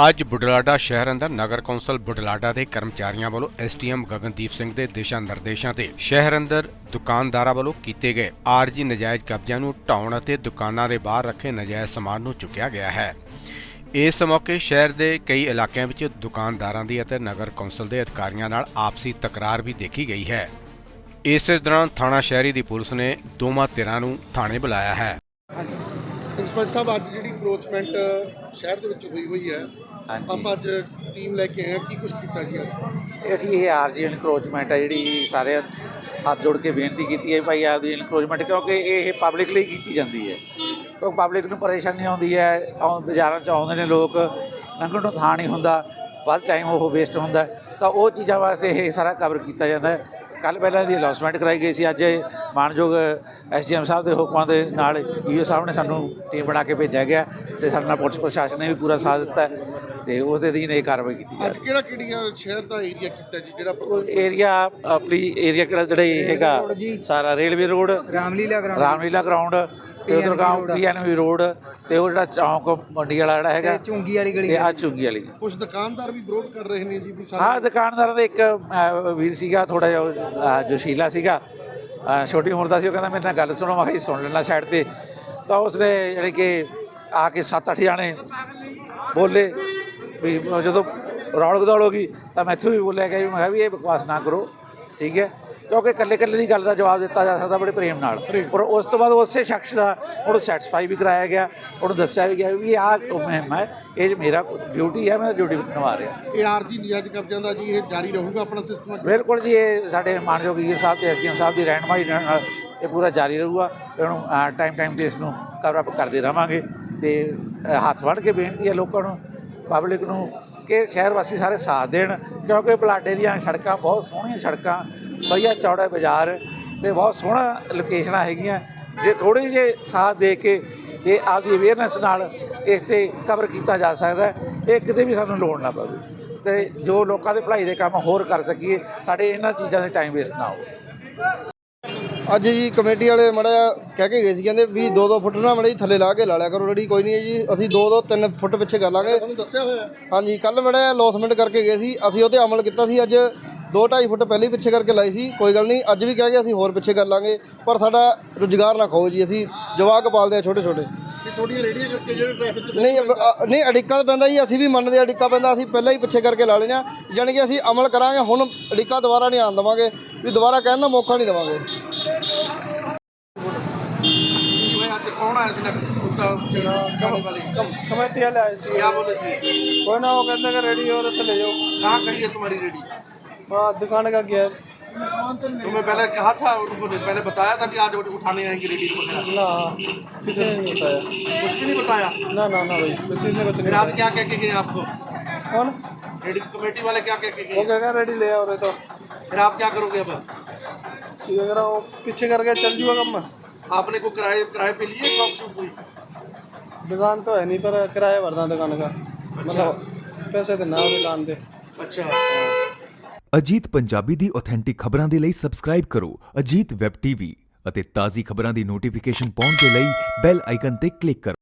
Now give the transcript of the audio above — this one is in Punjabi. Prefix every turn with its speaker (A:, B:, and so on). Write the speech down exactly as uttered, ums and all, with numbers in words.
A: ਅੱਜ ਬੁਢਲਾਡਾ ਸ਼ਹਿਰ ਅੰਦਰ ਨਗਰ ਕੌਂਸਲ ਬੁਢਲਾਡਾ ਦੇ ਕਰਮਚਾਰੀਆਂ ਵੱਲੋਂ S T M Gagandeep Singh ਦੇ ਦਿਸ਼ਾ ਨਿਰਦੇਸ਼ਾਂ ਤੇ ਸ਼ਹਿਰ ਅੰਦਰ ਦੁਕਾਨਦਾਰਾਂ ਵੱਲੋਂ ਕੀਤੇ ਗਏ ਆਰਜੀ ਨਜਾਇਜ਼ ਕਬਜ਼ਿਆਂ ਨੂੰ ਢਾਉਣ ਅਤੇ ਦੁਕਾਨਾਂ ਦੇ ਬਾਹਰ ਰੱਖੇ ਨਜਾਇਜ਼ ਸਮਾਨ ਨੂੰ ਚੁੱਕਿਆ ਗਿਆ ਹੈ। ਇਸ ਮੌਕੇ ਸ਼ਹਿਰ ਦੇ ਕਈ ਇਲਾਕਿਆਂ ਵਿੱਚ ਦੁਕਾਨਦਾਰਾਂ ਦੀ ਅਤੇ ਨਗਰ ਕੌਂਸਲ ਦੇ ਅਧਿਕਾਰੀਆਂ ਨਾਲ ਆਪਸੀ ਤਕਰਾਰ ਵੀ ਦੇਖੀ ਗਈ ਹੈ। ਇਸੇ ਦੌਰਾਨ ਥਾਣਾ ਸ਼ਹਿਰੀ ਦੀ ਪੁਲਿਸ ਨੇ ਦੋਵਾਂ ਧਿਰਾਂ ਨੂੰ ਥਾਣੇ ਬੁਲਾਇਆ ਹੈ।
B: ਇੰਸਪੈਕਟਰ ਸਾਹਿਬ ਅੱਜ ਜਿਹੜੀ ਅਪਰੋਚਮੈਂਟ ਸ਼ਹਿਰ ਦੇ ਵਿੱਚ ਹੋਈ ਹੋਈ ਹੈ, ਆਪਾਂ ਅੱਜ ਟੀਮ ਲੈ ਕੇ ਆਏ ਹਾਂ, ਕੀ ਕੁਝ ਕੀਤਾ ਜੀ ਅੱਜ?
C: ਅਸੀਂ ਇਹ ਆਰਜੀ ਇਨਕਰੋਚਮੈਂਟ ਹੈ ਜਿਹੜੀ ਸਾਰੇ ਹੱਥ ਜੋੜ ਕੇ ਬੇਨਤੀ ਕੀਤੀ ਹੈ ਭਾਈ ਆਪਦੀ ਇਨਕਰੋਚਮੈਂਟ, ਕਿਉਂਕਿ ਇਹ ਪਬਲਿਕ ਲਈ ਕੀਤੀ ਜਾਂਦੀ ਹੈ। ਕਿਉਂਕਿ ਪਬਲਿਕ ਨੂੰ ਪਰੇਸ਼ਾਨੀ ਆਉਂਦੀ ਹੈ, ਬਾਜ਼ਾਰਾਂ 'ਚ ਆਉਂਦੇ ਨੇ ਲੋਕ, ਲੰਘਣ ਨੂੰ ਥਾਂ ਨਹੀਂ ਹੁੰਦਾ, ਵੱਧ ਟਾਈਮ ਉਹ ਵੇਸਟ ਹੁੰਦਾ, ਤਾਂ ਉਹ ਚੀਜ਼ਾਂ ਵਾਸਤੇ ਇਹ ਸਾਰਾ ਕਵਰ ਕੀਤਾ ਜਾਂਦਾ ਹੈ। ਕੱਲ੍ਹ ਪਹਿਲਾਂ ਇਹਦੀ ਅਨਾਊਂਸਮੈਂਟ ਕਰਾਈ ਗਈ ਸੀ। ਅੱਜ ਮਾਨਯੋਗ ਐਸ ਡੀ ਐਮ ਸਾਹਿਬ ਦੇ ਹੁਕਮਾਂ ਦੇ ਨਾਲ ਈ ਓ ਸਾਹਿਬ ਨੇ ਸਾਨੂੰ ਟੀਮ ਬਣਾ ਕੇ ਭੇਜਿਆ ਗਿਆ ਅਤੇ ਸਾਡੇ ਨਾਲ ਪੁਲਿਸ ਪ੍ਰਸ਼ਾਸਨ ਨੇ ਵੀ ਪੂਰਾ ਸਾਥ ਦਿੱਤਾ ਅਤੇ ਉਸ ਦੇ ਅਧੀਨ ਇਹ ਕਾਰਵਾਈ ਕੀਤੀ ਜਾ
B: ਅੱਜ ਕਿਹੜਾ ਕਿਹੜੀਆਂ ਸ਼ਹਿਰ ਦਾ ਏਰੀਆ ਕੀਤਾ ਜੀ? ਜਿਹੜਾ
C: ਏਰੀਆ ਆਪਣੀ ਏਰੀਆ ਕਿਹੜਾ ਜਿਹੜਾ ਇਹ ਹੈਗਾ ਸਾਰਾ railway road, Ramlila Ramlila ground ਅਤੇ ਉਧਰ ਗਾਉਂ ਪੀ ਐਨ ਵੀ ਰੋਡ ਅਤੇ ਉਹ ਜਿਹੜਾ ਚੌਂਕ ਮੰਡੀ ਵਾਲਾ ਜਿਹੜਾ ਹੈਗਾ
D: ਚੁੰਗੀ ਵਾਲੀ ਗਲੀ,
C: ਆ ਚੁੰਗੀ ਵਾਲੀ।
B: ਕੁਝ ਦੁਕਾਨਦਾਰ ਵੀ ਵਿਰੋਧ ਕਰ ਰਹੇ ਨੇ ਜੀ ਵੀ
C: ਹਾਂ, ਦੁਕਾਨਦਾਰਾਂ ਦਾ ਇੱਕ ਵੀਰ ਸੀਗਾ ਥੋੜ੍ਹਾ ਜਿਹਾ ਜੋਸ਼ੀਲਾ ਸੀਗਾ, ਛੋਟੀ ਉਮਰ ਦਾ ਸੀ। ਉਹ ਕਹਿੰਦਾ ਮੇਰੇ ਨਾਲ ਗੱਲ ਸੁਣੋ, ਮੈਂ ਕਿਹਾ ਜੀ ਸੁਣ ਲੈਣਾ ਸਾਈਡ 'ਤੇ। ਤਾਂ ਉਸਨੇ ਜਾਣੀ ਕਿ ਆ ਕੇ ਸੱਤ ਅੱਠ ਜਾਣੇ ਬੋਲੇ ਵੀ ਜਦੋਂ ਰੌਲ ਗਦੌਲ ਹੋ ਗਈ ਤਾਂ ਮੈਂ ਇੱਥੋਂ ਵੀ ਬੋਲਿਆ ਗਿਆ ਵੀ ਮੈਂ ਕਿਹਾ ਵੀ ਇਹ ਬਕਵਾਸ ਨਾ ਕਰੋ, ਠੀਕ ਹੈ, ਕਿਉਂਕਿ ਇਕੱਲੇ ਇਕੱਲੇ ਦੀ ਗੱਲ ਦਾ ਜਵਾਬ ਦਿੱਤਾ ਜਾ ਸਕਦਾ ਬੜੇ ਪ੍ਰੇਮ ਨਾਲ। ਔਰ ਉਸ ਤੋਂ ਬਾਅਦ ਉਸੇ ਸ਼ਖਸ ਦਾ ਉਹਨੂੰ ਸੈਟੀਸਫਾਈ ਵੀ ਕਰਾਇਆ ਗਿਆ, ਉਹਨੂੰ ਦੱਸਿਆ ਵੀ ਗਿਆ ਵੀ ਆਹ ਮੁਹਿੰਮ ਹੈ, ਇਹ ਮੇਰਾ ਡਿਊਟੀ ਹੈ, ਮੈਂ ਡਿਊਟੀ ਨਿਭਾ ਰਿਹਾ।
B: ਇਹ ਆਰਜੀ ਨਜਾਇਜ਼ ਕਬਜ਼ਿਆਂ ਦਾ ਜੀ ਇਹ ਜਾਰੀ ਰਹੂਗਾ ਆਪਣਾ ਸਿਸਟਮ?
C: ਬਿਲਕੁਲ ਜੀ, ਇਹ ਸਾਡੇ ਮਾਨਯੋਗ ਈ ਓ ਸਾਹਿਬ ਤੇ ਐਸ ਡੀ ਐਮ ਸਾਹਿਬ ਦੀ ਰਹਿਨੁਮਾਈ ਨਾਲ ਇਹ ਪੂਰਾ ਜਾਰੀ ਰਹੂਗਾ। ਇਹਨੂੰ ਟਾਈਮ ਟਾਈਮ 'ਤੇ ਇਸ ਨੂੰ ਕਵਰ ਅਪ ਕਰਦੇ ਰਹਾਂਗੇ ਅਤੇ ਹੱਥ ਵੰਡ ਕੇ ਬੇਨਤੀ ਹੈ ਲੋਕਾਂ ਨੂੰ, ਪਬਲਿਕ ਨੂੰ, ਕਿ ਸ਼ਹਿਰ ਵਾਸੀ ਸਾਰੇ ਸਾਥ ਦੇਣ, ਕਿਉਂਕਿ ਬੁਢਲਾਡੇ ਦੀਆਂ ਸੜਕਾਂ ਬਹੁਤ ਸੋਹਣੀਆਂ ਸੜਕਾਂ, ਵਧੀਆ ਚੌੜਾ ਬਾਜ਼ਾਰ ਅਤੇ ਬਹੁਤ ਸੋਹਣਾ ਲੋਕੇਸ਼ਨਾਂ ਹੈਗੀਆਂ। ਜੇ ਥੋੜ੍ਹੇ ਜਿਹੇ ਸਾਥ ਦੇ ਕੇ ਇਹ ਆਪਦੀ ਅਵੇਅਰਨੈਸ ਨਾਲ ਇਸ 'ਤੇ ਕਵਰ ਕੀਤਾ ਜਾ ਸਕਦਾ, ਇਹ ਕਿਤੇ ਵੀ ਸਾਨੂੰ ਲੋੜ ਨਾ ਪਵੇ ਅਤੇ ਜੋ ਲੋਕਾਂ ਦੇ ਭਲਾਈ ਦੇ ਕੰਮ ਹੋਰ ਕਰ ਸਕੀਏ, ਸਾਡੇ ਇਹਨਾਂ ਚੀਜ਼ਾਂ ਦੇ ਟਾਈਮ ਵੇਸਟ ਨਾ ਹੋਵੇ।
B: ਅੱਜ ਜੀ ਕਮੇਟੀ ਵਾਲੇ ਮਾੜਾ ਜਿਹਾ ਕਹਿ ਕੇ ਗਏ ਸੀ, ਕਹਿੰਦੇ ਵੀ ਦੋ ਦੋ ਫੁੱਟ ਨਾ ਮਾੜਾ ਜੀ ਥੱਲੇ ਲਾ ਕੇ ਲਾ ਲਿਆ ਕਰੋ ਰੇੜੀ। ਕੋਈ ਨਹੀਂ ਜੀ, ਅਸੀਂ ਦੋ ਦੋ ਤਿੰਨ ਫੁੱਟ ਪਿੱਛੇ ਕਰ ਲਾਂਗੇ, ਤੁਹਾਨੂੰ ਦੱਸਿਆ ਹੋਇਆ। ਹਾਂਜੀ, ਕੱਲ੍ਹ ਮਾੜਾ ਅਨਾਊਂਸਮੈਂਟ ਕਰਕੇ ਗਏ ਸੀ, ਅਸੀਂ ਉਹਤੇ ਅਮਲ ਕੀਤਾ ਸੀ। ਅੱਜ ਦੋ ਢਾਈ ਫੁੱਟ ਪਹਿਲੇ ਪਿੱਛੇ ਕਰਕੇ ਲਾਈ ਸੀ, ਕੋਈ ਗੱਲ ਨਹੀਂ, ਅੱਜ ਵੀ ਕਹਿ ਕੇ ਅਸੀਂ ਹੋਰ ਪਿੱਛੇ ਕਰ ਲਾਂਗੇ, ਪਰ ਸਾਡਾ ਰੁਜ਼ਗਾਰ ਨਾ ਖਾਓ ਜੀ। ਅਸੀਂ ਜਵਾਕ ਪਾਲਦੇ ਹਾਂ ਛੋਟੇ ਛੋਟੇ, ਥੋੜੀਆਂ ਰੇੜੀਆਂ ਕਰਕੇ ਜਿਹੜੇ ਟ੍ਰੈਫਿਕ ਨਹੀਂ ਨਹੀਂ ਅੜਿੱਕਾ ਤਾਂ ਪੈਂਦਾ ਜੀ, ਅਸੀਂ ਵੀ ਮੰਨਦੇ ਹਾਂ ਅੜਿੱਕਾ ਪੈਂਦਾ, ਅਸੀਂ ਪਹਿਲਾਂ ਹੀ ਪਿੱਛੇ ਕਰਕੇ ਲਾ ਲੈਂਦੇ ਹਾਂ। ਜਾਣੀ ਕਿ ਅਸੀਂ ਅਮਲ ਕਰਾਂਗੇ, ਹੁਣ ਅੜਿੱਕਾ ਦੁਬਾਰਾ ਨਹੀਂ ਆਉਣ ਦੇਵਾਂਗੇ, ਵੀ ਦੁਬਾਰਾ ਕਹਿਣ ਦਾ ਮੌਕਾ ਨਹੀਂ ਦੇਵਾਂਗੇ। ਕੌਣ ਆਇਆ ਸੀ
D: कमेटी वाले आए थे,
B: क्या बोले थे?
D: कोई ना, वो कहते हैं रेडी और ले जाओ।
B: कहाँ खड़ी है तुम्हारी रेडी?
D: हाँ, दुकान का गया
B: तुम्हें पहले कहा था, उनको पहले बताया था कि आज उठाने आएंगे रेडी को?
D: ना, किसी ने नहीं बताया।
B: कुछ भी नहीं बताया?
D: ना ना ना भाई, किसी ने कुछ
B: फिर
D: नहीं।
B: आज क्या कह के गए आपको?
D: कौन?
B: रेडी कमेटी वाले क्या कह के
D: वो
B: गए?
D: कह रहे रेडी ले आओ रहे, तो
B: फिर आप क्या करोगे अब?
D: ये अगर वो पीछे करके चल जूगा कम में।
B: आपने को किराए किराए पे लिए शॉप शूप हुई?
D: दुकान तो है नहीं, पर किराया भरना दुकान का, मतलब पैसे देना दुकान पे।
B: अच्छा।
E: ਅਜੀਤ ਪੰਜਾਬੀ ਦੀ ਆਥੈਂਟਿਕ ਖਬਰਾਂ ਦੇ ਲਈ ਸਬਸਕ੍ਰਾਈਬ ਕਰੋ ਅਜੀਤ ਵੈਬ ਟੀਵੀ ਅਤੇ ਤਾਜ਼ੀ ਖਬਰਾਂ ਦੀ ਨੋਟੀਫਿਕੇਸ਼ਨ ਪਾਉਣ ਦੇ ਲਈ ਬੈਲ ਆਈਕਨ ਤੇ ਕਲਿੱਕ ਕਰੋ।